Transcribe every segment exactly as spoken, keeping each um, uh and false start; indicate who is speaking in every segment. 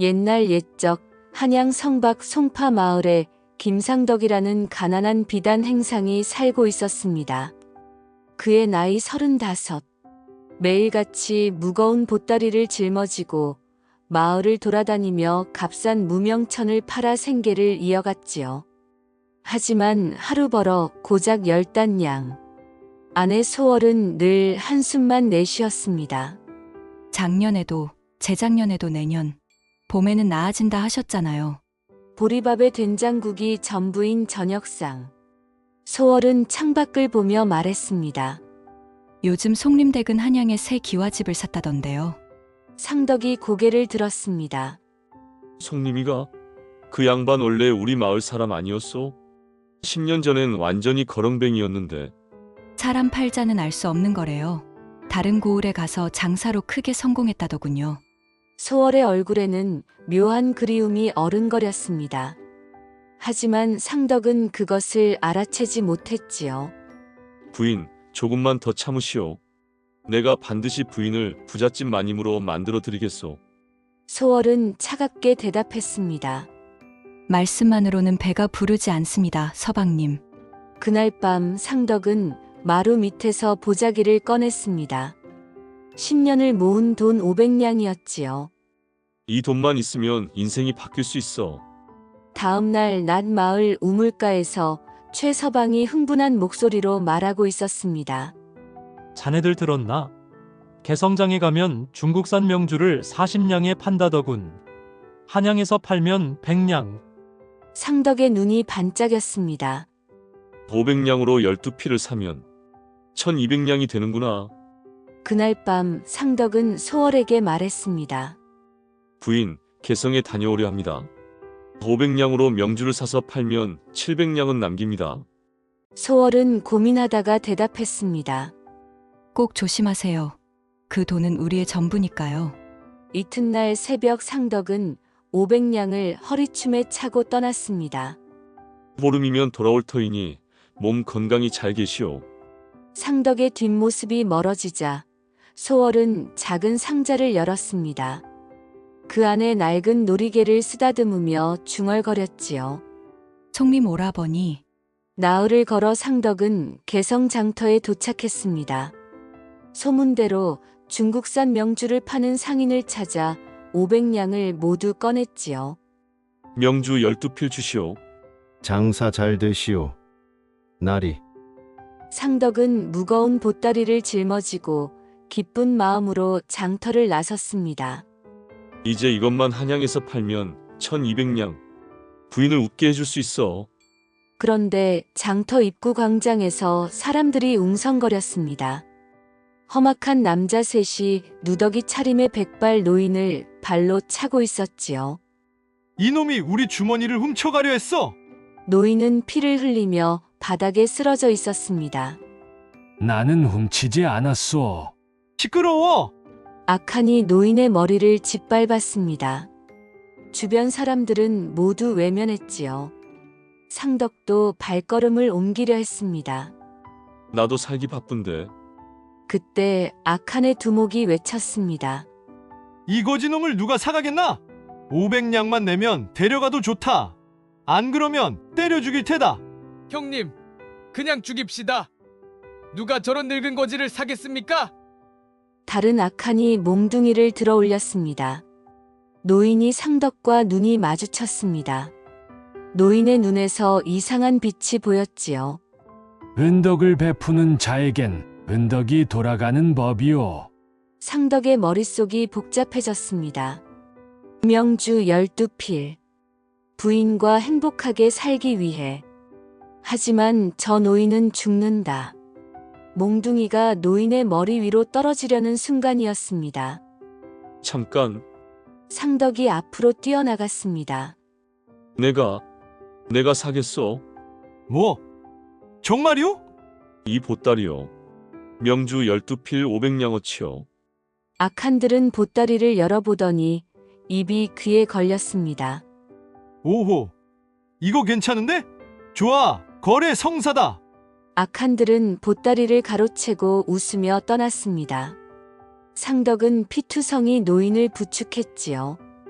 Speaker 1: 옛날 옛적 한양 성박 송파 마을에 김상덕이라는 가난한 비단 행상이 살고 있었습니다. 그의 나이 서른다섯. 매일같이 무거운 보따리를 짊어지고 마을을 돌아다니며 값싼 무명천을 팔아 생계를 이어갔지요. 하지만 하루 벌어 고작 열 단량. 아내 소월은 늘 한숨만 내쉬었습니다.
Speaker 2: 작년에도 재작년에도 내년 봄에는 나아진다 하셨잖아요.
Speaker 1: 보리밥에 된장국이 전부인 저녁상. 소월은 창밖을 보며 말했습니다.
Speaker 2: 요즘 송림댁은 한양에 새 기와집을 샀다던데요.
Speaker 1: 상덕이 고개를 들었습니다.
Speaker 3: 송림이가? 그 양반 원래 우리 마을 사람 아니었어? 십 년 전엔 완전히 거렁뱅이였는데.
Speaker 2: 사람 팔자는 알 수 없는 거래요. 다른 고을에 가서 장사로 크게 성공했다더군요.
Speaker 1: 소월의 얼굴에는 묘한 그리움이 어른거렸습니다. 하지만 상덕은 그것을 알아채지 못했지요.
Speaker 3: 부인, 조금만 더 참으시오. 내가 반드시 부인을 부잣집 마님으로 만들어 드리겠소.
Speaker 1: 소월은 차갑게 대답했습니다.
Speaker 2: 말씀만으로는 배가 부르지 않습니다, 서방님.
Speaker 1: 그날 밤 상덕은 마루 밑에서 보자기를 꺼냈습니다. 십 년을 모은 돈 오백냥이었지요.
Speaker 3: 이 돈만 있으면 인생이 바뀔 수 있어.
Speaker 1: 다음 날 낮 마을 우물가에서 최 서방이 흥분한 목소리로 말하고 있었습니다.
Speaker 4: 자네들 들었나? 개성장에 가면 중국산 명주를 사십 냥에 판다더군. 한양에서 팔면 백 냥.
Speaker 1: 상덕의 눈이 반짝였습니다.
Speaker 3: 오백냥으로 열두 필을 사면 천이백냥이 되는구나.
Speaker 1: 그날 밤 상덕은 소월에게 말했습니다.
Speaker 3: 부인, 개성에 다녀오려 합니다. 오백냥으로 명주를 사서 팔면 칠백냥은 남깁니다.
Speaker 1: 소월은 고민하다가 대답했습니다.
Speaker 2: 꼭 조심하세요. 그 돈은 우리의 전부니까요.
Speaker 1: 이튿날 새벽 상덕은 오백냥을 허리춤에 차고 떠났습니다.
Speaker 3: 보름이면 돌아올 터이니 몸 건강히 잘 계시오.
Speaker 1: 상덕의 뒷모습이 멀어지자 소월은 작은 상자를 열었습니다. 그 안에 낡은 놀이개를 쓰다듬으며 중얼거렸지요.
Speaker 2: 송림 오라버니,
Speaker 1: 나흘을 걸어 상덕은 개성장터에 도착했습니다. 소문대로 중국산 명주를 파는 상인을 찾아 오백냥을 모두 꺼냈지요.
Speaker 3: 명주 열두 필 주시오.
Speaker 5: 장사 잘 되시오. 나리.
Speaker 1: 상덕은 무거운 보따리를 짊어지고 기쁜 마음으로 장터를 나섰습니다.
Speaker 3: 이제 이것만 한양에서 팔면 천이백냥. 부인을 웃게 해줄 수 있어.
Speaker 1: 그런데 장터 입구 광장에서 사람들이 웅성거렸습니다. 험악한 남자 셋이 누더기 차림의 백발 노인을 발로 차고 있었지요.
Speaker 4: 이놈이 우리 주머니를 훔쳐가려 했어.
Speaker 1: 노인은 피를 흘리며 바닥에 쓰러져 있었습니다.
Speaker 6: 나는 훔치지 않았소.
Speaker 4: 시끄러워.
Speaker 1: 악한이 노인의 머리를 짓밟았습니다. 주변 사람들은 모두 외면했지요. 상덕도 발걸음을 옮기려 했습니다.
Speaker 3: 나도 살기 바쁜데.
Speaker 1: 그때 악한의 두목이 외쳤습니다.
Speaker 4: 이 거지놈을 누가 사가겠나? 오백 냥만 내면 데려가도 좋다. 안 그러면 때려 죽일 테다.
Speaker 7: 형님, 그냥 죽입시다. 누가 저런 늙은 거지를 사겠습니까?
Speaker 1: 다른 악한이 몽둥이를 들어 올렸습니다. 노인이 상덕과 눈이 마주쳤습니다. 노인의 눈에서 이상한 빛이 보였지요.
Speaker 6: 은덕을 베푸는 자에겐 은덕이 돌아가는 법이오.
Speaker 1: 상덕의 머릿속이 복잡해졌습니다. 명주 열두 필. 부인과 행복하게 살기 위해. 하지만 저 노인은 죽는다. 몽둥이가 노인의 머리 위로 떨어지려는 순간이었습니다.
Speaker 3: 잠깐,
Speaker 1: 상덕이 앞으로 뛰어나갔습니다.
Speaker 3: 내가, 내가 사겠어.
Speaker 4: 뭐? 정말이오?
Speaker 3: 이 보따리요. 명주 열두 필 오백냥어치요.
Speaker 1: 악한들은 보따리를 열어보더니 입이 귀에 걸렸습니다.
Speaker 4: 오호. 이거 괜찮은데? 좋아. 거래 성사다.
Speaker 1: 악한들은 보따리를 가로채고 웃으며 떠났습니다. 상덕은 피투성이 노인을 부축했지요.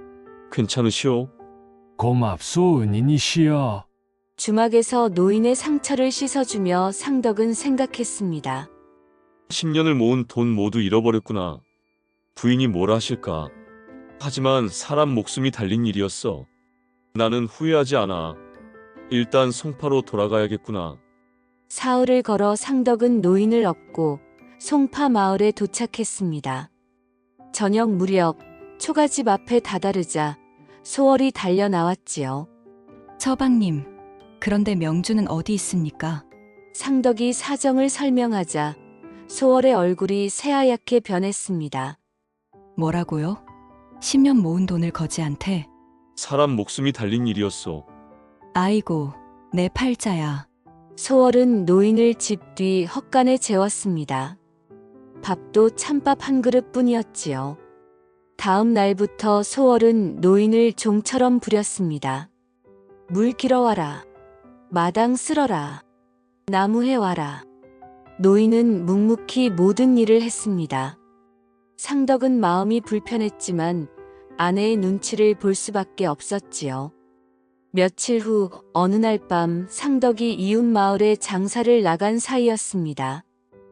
Speaker 3: 괜찮으시오?
Speaker 6: 고맙소 은인이시여.
Speaker 1: 주막에서 노인의 상처를 씻어주며 상덕은 생각했습니다.
Speaker 3: 십 년을 모은 돈 모두 잃어버렸구나. 부인이 뭘 하실까? 하지만 사람 목숨이 달린 일이었어. 나는 후회하지 않아. 일단 송파로 돌아가야겠구나.
Speaker 1: 사흘을 걸어 상덕은 노인을 업고 송파 마을에 도착했습니다. 저녁 무렵 초가집 앞에 다다르자 소월이 달려 나왔지요.
Speaker 2: 서방님, 그런데 명주는 어디 있습니까?
Speaker 1: 상덕이 사정을 설명하자 소월의 얼굴이 새하얗게 변했습니다.
Speaker 2: 뭐라고요? 십 년 모은 돈을 거지한테?
Speaker 3: 사람 목숨이 달린 일이었어.
Speaker 2: 아이고, 내 팔자야.
Speaker 1: 소월은 노인을 집 뒤 헛간에 재웠습니다. 밥도 찬밥 한 그릇뿐이었지요. 다음 날부터 소월은 노인을 종처럼 부렸습니다. 물 길어와라. 마당 쓸어라. 나무 해와라. 노인은 묵묵히 모든 일을 했습니다. 상덕은 마음이 불편했지만 아내의 눈치를 볼 수밖에 없었지요. 며칠 후 어느 날 밤 상덕이 이웃 마을에 장사를 나간 사이였습니다.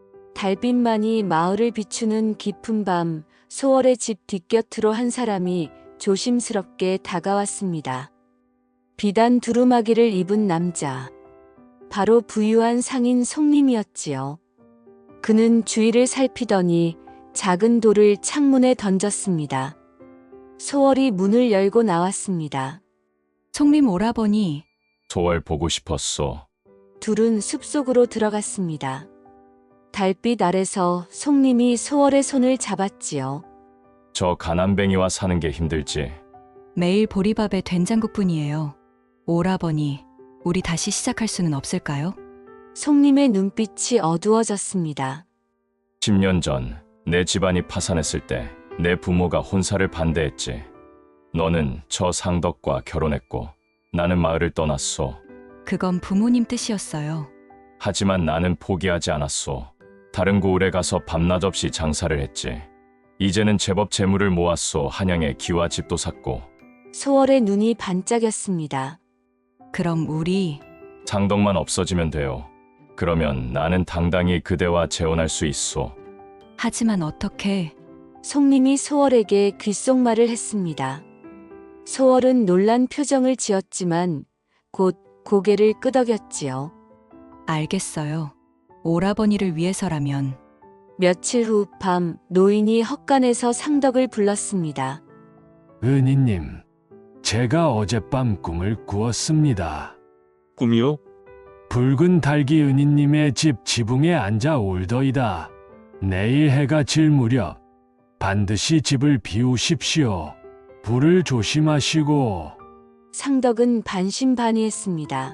Speaker 1: 달빛만이 마을을 비추는 깊은 밤 소월의 집 뒷곁으로 한 사람이 조심스럽게 다가왔습니다. 비단 두루마기를 입은 남자. 바로 부유한 상인 송림이었지요. 그는 주위를 살피더니 작은 돌을 창문에 던졌습니다. 소월이 문을 열고 나왔습니다.
Speaker 2: 송림 오라버니,
Speaker 8: 소월 보고 싶었소.
Speaker 1: 둘은 숲속으로 들어갔습니다. 달빛 아래서 송림이 소월의 손을 잡았지요.
Speaker 8: 저 가난뱅이와 사는 게 힘들지.
Speaker 2: 매일 보리밥에 된장국뿐이에요. 오라버니, 우리 다시 시작할 수는 없을까요?
Speaker 1: 송림의 눈빛이 어두워졌습니다.
Speaker 8: 십 년 전 내 집안이 파산했을 때 내 부모가 혼사를 반대했지. 너는 저 상덕과 결혼했고 나는 마을을 떠났소.
Speaker 2: 그건 부모님 뜻이었어요.
Speaker 8: 하지만 나는 포기하지 않았소. 다른 고을에 가서 밤낮 없이 장사를 했지. 이제는 제법 재물을 모았소. 한양에 기와 집도 샀고.
Speaker 1: 소월의 눈이 반짝였습니다.
Speaker 2: 그럼 우리
Speaker 8: 상덕만 없어지면 돼요. 그러면 나는 당당히 그대와 재혼할 수 있소.
Speaker 2: 하지만 어떻게?
Speaker 1: 송림이 소월에게 귓속말을 했습니다. 소월은 놀란 표정을 지었지만 곧 고개를 끄덕였지요.
Speaker 2: 알겠어요. 오라버니를 위해서라면.
Speaker 1: 며칠 후 밤 노인이 헛간에서 상덕을 불렀습니다.
Speaker 6: 은인님, 제가 어젯밤 꿈을 꾸었습니다.
Speaker 3: 꿈이요?
Speaker 6: 붉은 닭이 은인님의 집 지붕에 앉아 울더이다. 내일 해가 질 무렵 반드시 집을 비우십시오. 불을 조심하시고.
Speaker 1: 상덕은 반신반의했습니다.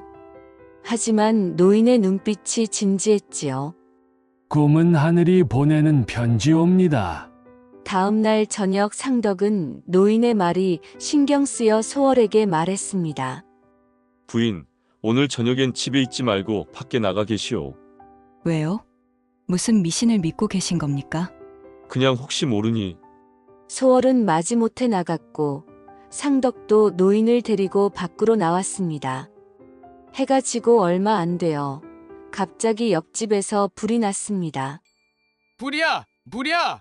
Speaker 1: 하지만 노인의 눈빛이 진지했지요.
Speaker 6: 꿈은 하늘이 보내는 편지옵니다.
Speaker 1: 다음 날 저녁 상덕은 노인의 말이 신경 쓰여 소월에게 말했습니다.
Speaker 3: 부인, 오늘 저녁엔 집에 있지 말고 밖에 나가 계시오.
Speaker 2: 왜요? 무슨 미신을 믿고 계신 겁니까?
Speaker 3: 그냥 혹시 모르니.
Speaker 1: 소월은 마지못해 나갔고 상덕도 노인을 데리고 밖으로 나왔습니다. 해가 지고 얼마 안 되어 갑자기 옆집에서 불이 났습니다.
Speaker 7: 불이야! 불이야!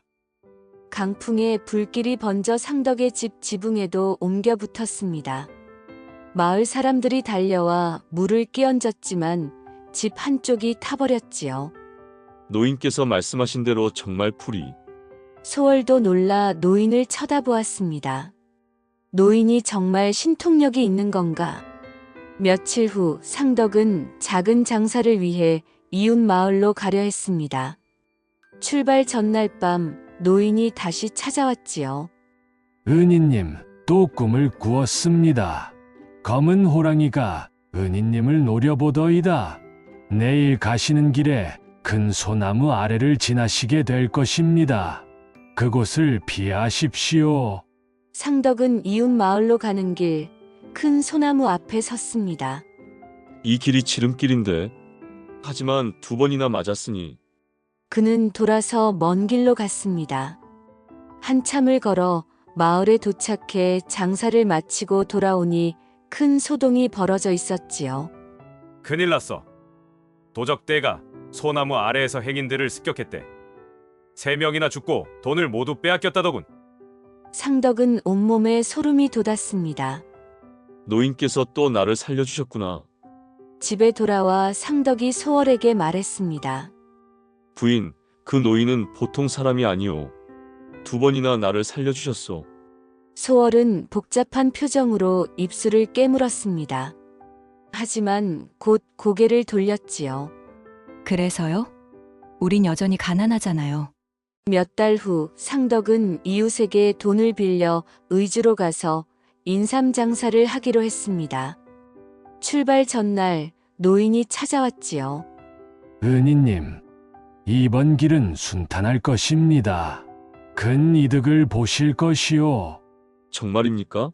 Speaker 1: 강풍에 불길이 번져 상덕의 집 지붕에도 옮겨 붙었습니다. 마을 사람들이 달려와 물을 끼얹었지만 집 한쪽이 타버렸지요.
Speaker 3: 노인께서 말씀하신 대로 정말 풀이.
Speaker 1: 소월도 놀라 노인을 쳐다보았습니다. 노인이 정말 신통력이 있는 건가? 며칠 후 상덕은 작은 장사를 위해 이웃 마을로 가려 했습니다. 출발 전날 밤 노인이 다시 찾아왔지요.
Speaker 6: 은인님, 또 꿈을 꾸었습니다. 검은 호랑이가 은인님을 노려보더이다. 내일 가시는 길에 큰 소나무 아래를 지나시게 될 것입니다. 그곳을 피하십시오.
Speaker 1: 상덕은 이웃 마을로 가는 길 큰 소나무 앞에 섰습니다.
Speaker 3: 이 길이 지름길인데. 하지만 두 번이나 맞았으니.
Speaker 1: 그는 돌아서 먼 길로 갔습니다. 한참을 걸어 마을에 도착해 장사를 마치고 돌아오니 큰 소동이 벌어져 있었지요.
Speaker 9: 큰일 났어. 도적대가 소나무 아래에서 행인들을 습격했대. 세 명이나 죽고 돈을 모두 빼앗겼다더군.
Speaker 1: 상덕은 온몸에 소름이 돋았습니다.
Speaker 3: 노인께서 또 나를 살려주셨구나.
Speaker 1: 집에 돌아와 상덕이 소월에게 말했습니다.
Speaker 3: 부인, 그 노인은 보통 사람이 아니오. 두 번이나 나를 살려주셨소.
Speaker 1: 소월은 복잡한 표정으로 입술을 깨물었습니다. 하지만 곧 고개를 돌렸지요.
Speaker 2: 그래서요? 우린 여전히 가난하잖아요.
Speaker 1: 몇 달 후 상덕은 이웃에게 돈을 빌려 의주로 가서 인삼 장사를 하기로 했습니다. 출발 전날 노인이 찾아왔지요.
Speaker 6: 은희님, 이번 길은 순탄할 것입니다. 큰 이득을 보실 것이오.
Speaker 3: 정말입니까?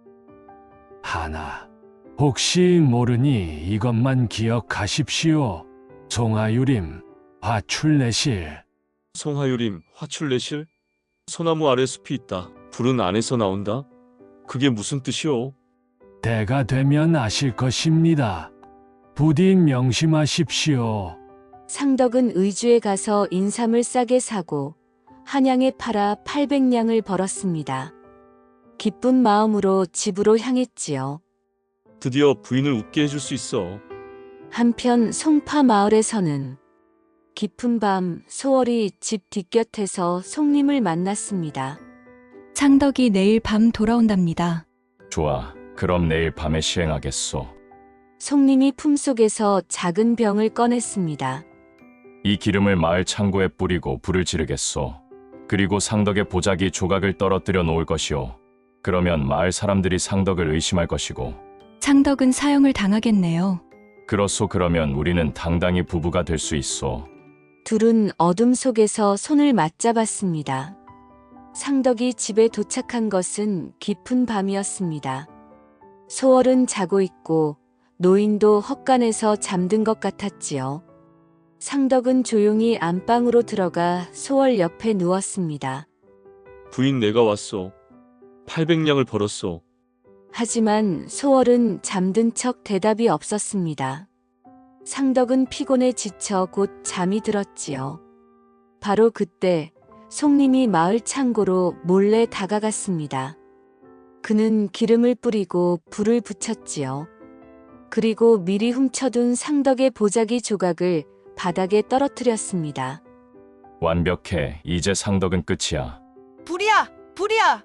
Speaker 6: 하나, 혹시 모르니 이것만 기억하십시오. 송하유림, 화출내실.
Speaker 3: 송하유림, 화출내실? 소나무 아래 숲이 있다. 불은 안에서 나온다? 그게 무슨 뜻이오?
Speaker 6: 때가 되면 아실 것입니다. 부디 명심하십시오.
Speaker 1: 상덕은 의주에 가서 인삼을 싸게 사고 한양에 팔아 팔백 냥을 벌었습니다. 기쁜 마음으로 집으로 향했지요.
Speaker 3: 드디어 부인을 웃게 해줄 수 있어.
Speaker 1: 한편 송파 마을에서는 깊은 밤 소월이 집 뒷곁에서 송림을 만났습니다.
Speaker 2: 상덕이 내일 밤 돌아온답니다.
Speaker 8: 좋아. 그럼 내일 밤에 시행하겠소.
Speaker 1: 송림이 품속에서 작은 병을 꺼냈습니다.
Speaker 8: 이 기름을 마을 창고에 뿌리고 불을 지르겠소. 그리고 상덕의 보자기 조각을 떨어뜨려 놓을 것이오. 그러면 마을 사람들이 상덕을 의심할 것이고.
Speaker 2: 상덕은 사형을 당하겠네요.
Speaker 8: 그렇소. 그러면 우리는 당당히 부부가 될 수 있소.
Speaker 1: 둘은 어둠 속에서 손을 맞잡았습니다. 상덕이 집에 도착한 것은 깊은 밤이었습니다. 소월은 자고 있고 노인도 헛간에서 잠든 것 같았지요. 상덕은 조용히 안방으로 들어가 소월 옆에 누웠습니다.
Speaker 3: 부인 내가 왔소. 팔백 냥을 벌었소.
Speaker 1: 하지만 소월은 잠든 척 대답이 없었습니다. 상덕은 피곤에 지쳐 곧 잠이 들었지요. 바로 그때 송림이 마을 창고로 몰래 다가갔습니다. 그는 기름을 뿌리고 불을 붙였지요. 그리고 미리 훔쳐둔 상덕의 보자기 조각을 바닥에 떨어뜨렸습니다.
Speaker 8: 완벽해. 이제 상덕은 끝이야.
Speaker 10: 불이야! 불이야!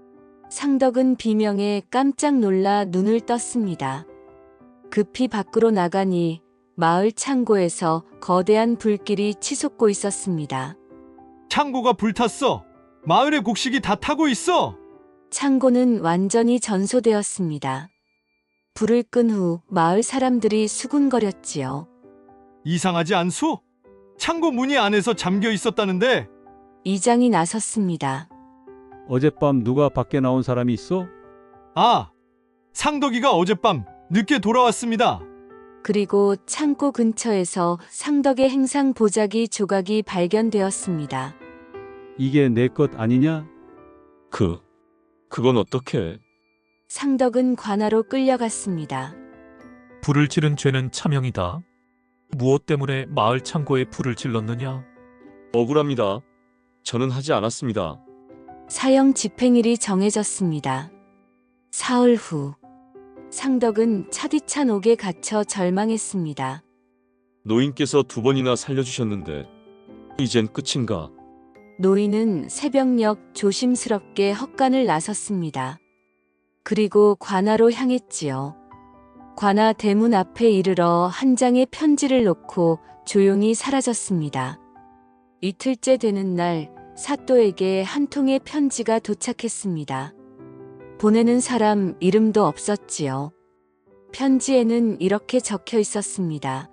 Speaker 1: 상덕은 비명에 깜짝 놀라 눈을 떴습니다. 급히 밖으로 나가니 마을 창고에서 거대한 불길이 치솟고 있었습니다.
Speaker 4: 창고가 불탔어. 마을의 곡식이 다 타고 있어.
Speaker 1: 창고는 완전히 전소되었습니다. 불을 끈 후 마을 사람들이 수군거렸지요.
Speaker 4: 이상하지 않소? 창고 문이 안에서 잠겨 있었다는데.
Speaker 1: 이장이 나섰습니다.
Speaker 11: 어젯밤 누가 밖에 나온 사람이 있어?
Speaker 4: 아, 상덕이가 어젯밤 늦게 돌아왔습니다.
Speaker 1: 그리고 창고 근처에서 상덕의 행상 보자기 조각이 발견되었습니다.
Speaker 11: 이게 내 것 아니냐?
Speaker 3: 그, 그건 어떻게?
Speaker 1: 상덕은 관아로 끌려갔습니다.
Speaker 12: 불을 지른 죄는 차명이다. 무엇 때문에 마을 창고에 불을 질렀느냐?
Speaker 3: 억울합니다. 저는 하지 않았습니다.
Speaker 1: 사형 집행일이 정해졌습니다. 사흘 후 상덕은 차디찬 옥에 갇혀 절망했습니다.
Speaker 3: 노인께서 두 번이나 살려주셨는데 이젠 끝인가?
Speaker 1: 노인은 새벽녘 조심스럽게 헛간을 나섰습니다. 그리고 관아로 향했지요. 관아 대문 앞에 이르러 한 장의 편지를 놓고 조용히 사라졌습니다. 이틀째 되는 날 사또에게 한 통의 편지가 도착했습니다. 보내는 사람 이름도 없었지요. 편지에는 이렇게 적혀 있었습니다.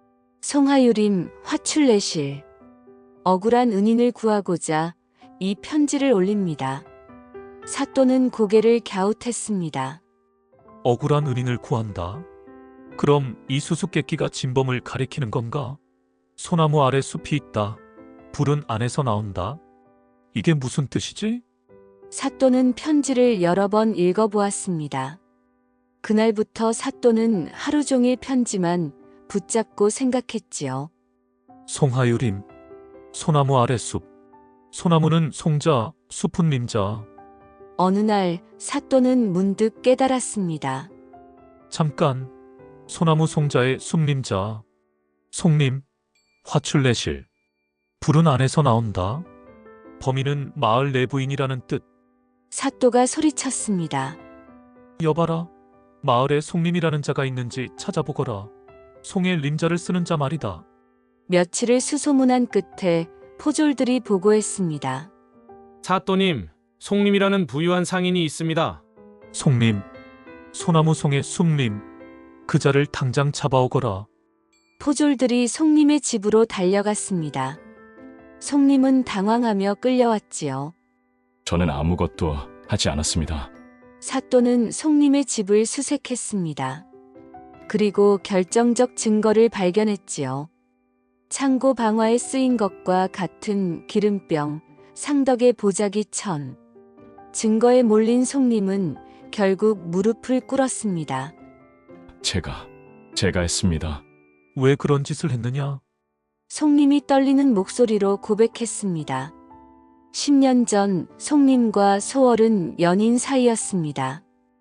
Speaker 1: 송하유림 화출내실. 억울한 은인을 구하고자 이 편지를 올립니다. 사또는 고개를 갸웃했습니다.
Speaker 12: 억울한 은인을 구한다. 그럼 이 수수께끼가 진범을 가리키는 건가? 소나무 아래 숲이 있다. 불은 안에서 나온다. 이게 무슨 뜻이지?
Speaker 1: 사또는 편지를 여러 번 읽어보았습니다. 그날부터 사또는 하루 종일 편지만 붙잡고 생각했지요.
Speaker 12: 송하유림, 소나무 아래 숲. 소나무는 송자, 숲은 림자.
Speaker 1: 어느 날 사또는 문득 깨달았습니다.
Speaker 12: 잠깐, 소나무 송자의 숲림자. 송림, 화출내실. 불은 안에서 나온다. 범인은 마을 내부인이라는 뜻.
Speaker 1: 사또가 소리쳤습니다.
Speaker 12: 여봐라, 마을에 송림이라는 자가 있는지 찾아보거라. 송의 림자를 쓰는 자 말이다.
Speaker 1: 며칠을 수소문한 끝에 포졸들이 보고했습니다.
Speaker 7: 사또님, 송림이라는 부유한 상인이 있습니다.
Speaker 12: 송림, 소나무 송의 숲림. 그 자를 당장 잡아오거라.
Speaker 1: 포졸들이 송림의 집으로 달려갔습니다. 송림은 당황하며 끌려왔지요.
Speaker 8: 저는 아무것도 하지 않았습니다.
Speaker 1: 사또는 송림의 집을 수색했습니다. 그리고 결정적 증거를 발견했지요. 창고 방화에 쓰인 것과 같은 기름병, 상덕의 보자기 천. 증거에 몰린 송림은 결국 무릎을 꿇었습니다.
Speaker 8: 제가, 제가 했습니다.
Speaker 12: 왜 그런 짓을 했느냐?
Speaker 1: 송림이 떨리는 목소리로 고백했습니다. 십 년 전 송림과 소월은 연인 사이였습니다.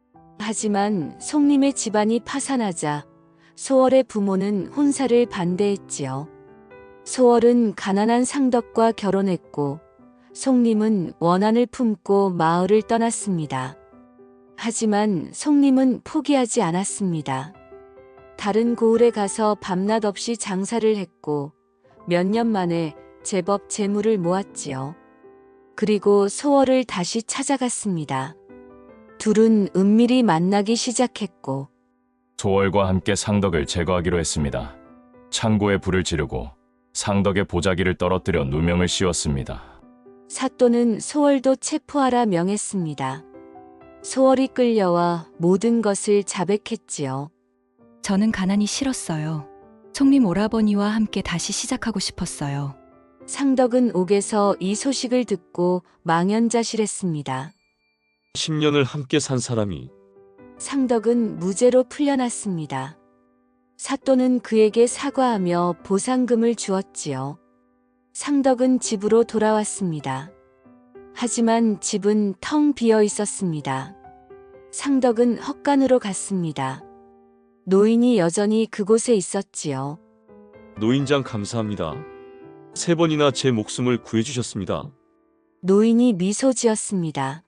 Speaker 1: 하지만 송림의 집안이 파산하자 소월의 부모는 혼사를 반대했지요. 소월은 가난한 상덕과 결혼했고 송림은 원한을 품고 마을을 떠났습니다. 하지만 송림은 포기하지 않았습니다. 다른 고을에 가서 밤낮 없이 장사를 했고 몇 년 만에 제법 재물을 모았지요. 그리고 소월을 다시 찾아갔습니다. 둘은 은밀히 만나기 시작했고
Speaker 8: 소월과 함께 상덕을 제거하기로 했습니다. 창고에 불을 지르고 상덕의 보자기를 떨어뜨려 누명을 씌웠습니다.
Speaker 1: 사또는 소월도 체포하라 명했습니다. 소월이 끌려와 모든 것을 자백했지요.
Speaker 2: 저는 가난이 싫었어요. 송림 오라버니와 함께 다시 시작하고 싶었어요.
Speaker 1: 상덕은 옥에서 이 소식을 듣고 망연자실했습니다.
Speaker 3: 십 년을 함께 산 사람이
Speaker 1: 상덕은 무죄로 풀려났습니다. 사또는 그에게 사과하며 보상금을 주었지요. 상덕은 집으로 돌아왔습니다. 하지만 집은 텅 비어 있었습니다. 상덕은 헛간으로 갔습니다. 노인이 여전히 그곳에 있었지요.
Speaker 3: 노인장 감사합니다. 세 번이나 제 목숨을 구해주셨습니다.
Speaker 1: 노인이 미소 지었습니다.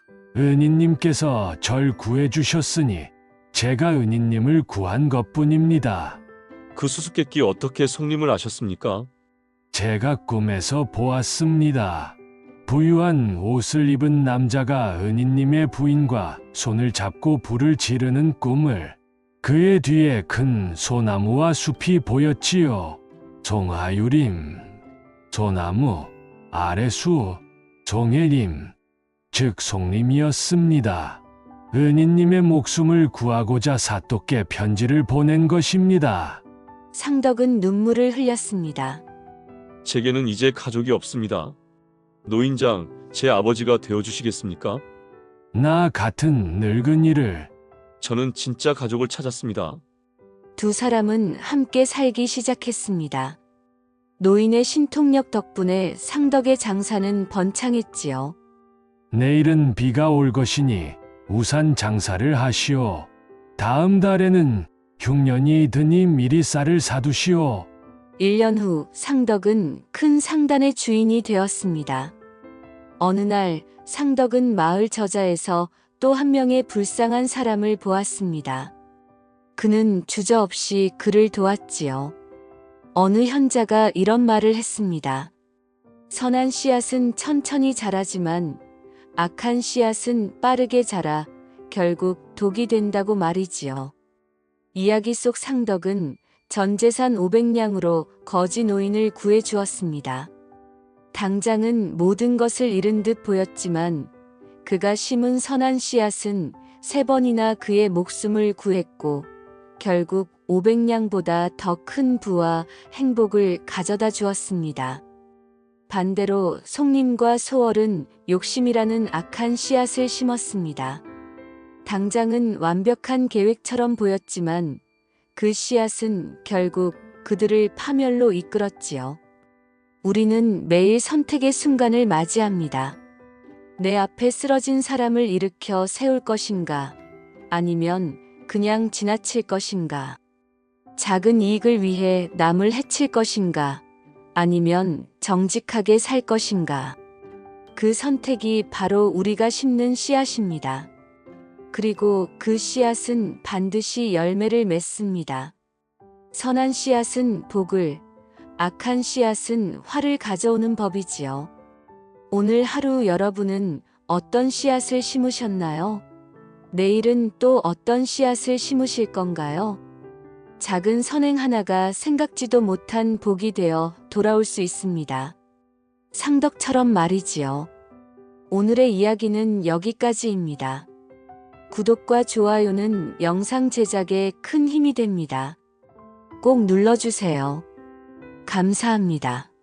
Speaker 6: 은인님께서 절 구해주셨으니 제가 은인님을 구한 것뿐입니다.
Speaker 3: 그 수수께끼 어떻게 송림을 아셨습니까?
Speaker 6: 제가 꿈에서 보았습니다. 부유한 옷을 입은 남자가 은인님의 부인과 손을 잡고 불을 지르는 꿈을. 그의 뒤에 큰 소나무와 숲이 보였지요. 송하유림, 소나무, 아래수, 송해림, 즉 송림이었습니다. 은인님의 목숨을 구하고자 사또께 편지를 보낸 것입니다.
Speaker 1: 상덕은 눈물을 흘렸습니다.
Speaker 3: 제게는 이제 가족이 없습니다. 노인장, 제 아버지가 되어주시겠습니까?
Speaker 6: 나 같은 늙은이를.
Speaker 3: 저는 진짜 가족을 찾았습니다.
Speaker 1: 두 사람은 함께 살기 시작했습니다. 노인의 신통력 덕분에 상덕의 장사는 번창했지요.
Speaker 6: 내일은 비가 올 것이니 우산 장사를 하시오. 다음 달에는 흉년이 드니 미리 쌀을 사두시오.
Speaker 1: 일 년 후 상덕은 큰 상단의 주인이 되었습니다. 어느 날 상덕은 마을 저자에서 또 한 명의 불쌍한 사람을 보았습니다. 그는 주저없이 그를 도왔지요. 어느 현자가 이런 말을 했습니다. 선한 씨앗은 천천히 자라지만 악한 씨앗은 빠르게 자라 결국 독이 된다고 말이지요. 이야기 속 상덕은 전 재산 오백 냥으로 거지 노인을 구해 주었습니다. 당장은 모든 것을 잃은 듯 보였지만 그가 심은 선한 씨앗은 세 번이나 그의 목숨을 구했고 결국 오백 냥보다 더 큰 부와 행복을 가져다 주었습니다. 반대로 송림과 소월은 욕심이라는 악한 씨앗을 심었습니다. 당장은 완벽한 계획처럼 보였지만 그 씨앗은 결국 그들을 파멸로 이끌었지요. 우리는 매일 선택의 순간을 맞이합니다. 내 앞에 쓰러진 사람을 일으켜 세울 것인가? 아니면 그냥 지나칠 것인가? 작은 이익을 위해 남을 해칠 것인가? 아니면 정직하게 살 것인가? 그 선택이 바로 우리가 심는 씨앗입니다. 그리고 그 씨앗은 반드시 열매를 맺습니다. 선한 씨앗은 복을, 악한 씨앗은 화를 가져오는 법이지요. 오늘 하루 여러분은 어떤 씨앗을 심으셨나요? 내일은 또 어떤 씨앗을 심으실 건가요? 작은 선행 하나가 생각지도 못한 복이 되어 돌아올 수 있습니다. 상덕처럼 말이지요. 오늘의 이야기는 여기까지입니다. 구독과 좋아요는 영상 제작에 큰 힘이 됩니다. 꼭 눌러주세요. 감사합니다.